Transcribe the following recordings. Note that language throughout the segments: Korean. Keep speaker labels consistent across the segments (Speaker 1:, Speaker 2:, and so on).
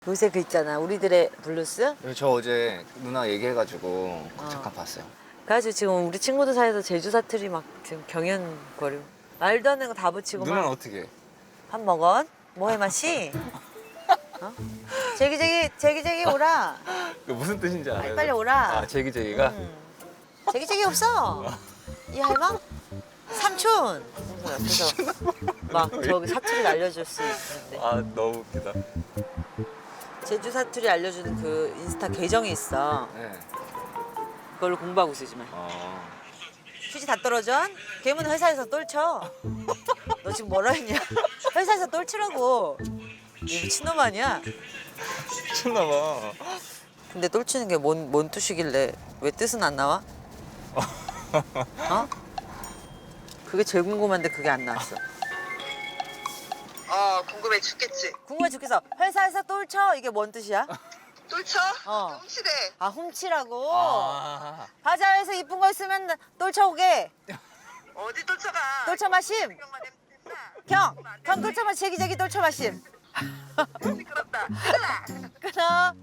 Speaker 1: 요새 그 있잖아 우리들의 블루스.
Speaker 2: 저 어제 누나 얘기해가지고 잠깐 봤어요.
Speaker 1: 그래가지고 지금 우리 친구들 사이에서 제주 사투리 막 지금 경연거리고 말도 안 되는 거 다 붙이고
Speaker 2: 누나는
Speaker 1: 막.
Speaker 2: 어떻게 해?
Speaker 1: 밥 먹었? 뭐해 마시? 어? 제기제기 오라.
Speaker 2: 그 무슨 뜻인지 알아요?
Speaker 1: 빨리 오라.
Speaker 2: 아 제기제기가?
Speaker 1: 제기제기 없어. 이 할망? 삼촌. 그래서 막 저기 사투리 알려줄 수 있는데.
Speaker 2: 아 너무 웃기다.
Speaker 1: 제주 사투리 알려주는 그 인스타 계정이 있어.
Speaker 2: 네.
Speaker 1: 그걸로 공부하고 있어 지금.
Speaker 2: 어.
Speaker 1: 휴지 다 떨어져? 걔는 회사에서 똘쳐. 너 지금 뭐라 했냐? 회사에서 똘치라고. 이 미친놈 아니야?
Speaker 2: 미쳤나봐.
Speaker 1: 근데 똘치는 게 뭔 뜻이길래 왜 뜻은 안 나와? 어? 그게 제일 궁금한데 그게 안 나왔어.
Speaker 3: 궁금해 죽겠지.
Speaker 1: 궁금해 죽겠어. 회사에서 똘쳐 이게 뭔 뜻이야?
Speaker 3: 똘쳐?
Speaker 1: 어.
Speaker 3: 훔치대.
Speaker 1: 아 훔치라고.
Speaker 2: 아.
Speaker 1: 바자회에서 이쁜 거 있으면 똘쳐 오게.
Speaker 3: 어디 똘쳐가?
Speaker 1: 똘쳐 마심.
Speaker 3: 경만 됐다.
Speaker 1: 경 똘쳐 마심. 제기제기 똘쳐 마심.
Speaker 3: 시끄럽다.
Speaker 1: 끊어.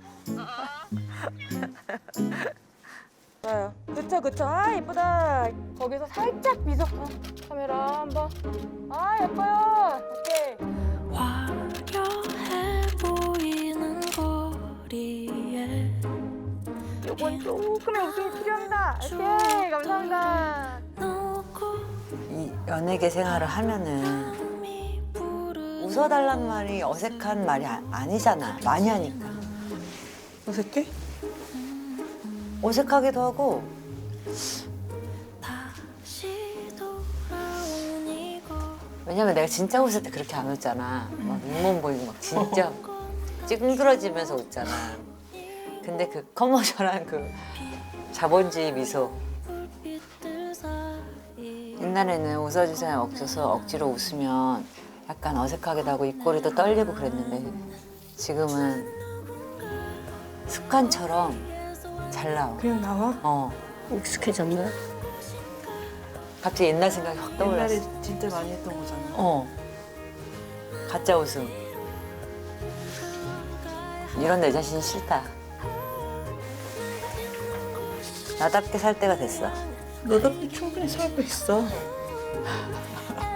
Speaker 4: 좋아요. 그쵸. 아, 예쁘다. 거기서 살짝 미소. 카메라 한번. 아, 예뻐요. 오케이.
Speaker 5: 화려해 보이는 거리에
Speaker 4: 요건 조금의 웃음이 필요합니다. 오케이, 감사합니다.
Speaker 1: 이 연예계 생활을 하면은 웃어달란 말이 어색한 말이 아니잖아. 많이 하니까.
Speaker 4: 어색해?
Speaker 1: 어색하기도 하고
Speaker 5: 다시 돌아온 이곳
Speaker 1: 왜냐면 내가 진짜 웃을 때 그렇게 안 웃잖아. 막 윗몸 보이고 막 진짜 찡그러지면서 웃잖아. 근데 그 커머셜한 그 자본주의 미소.
Speaker 5: 불빛들 사이
Speaker 1: 옛날에는 웃어주세요 없어서 억지로 웃으면 약간 어색하기도 하고 입꼬리도 떨리고 그랬는데 지금은 습관처럼 잘 나와.
Speaker 4: 그냥 나와?
Speaker 6: 익숙해졌나?
Speaker 1: 갑자기 옛날 생각이 확 떠올랐어.
Speaker 6: 옛날에 진짜 많이 했던 거잖아.
Speaker 1: 가짜 웃음. 이런 내 자신이 싫다. 나답게 살 때가 됐어.
Speaker 6: 너답게 충분히 살고 있어.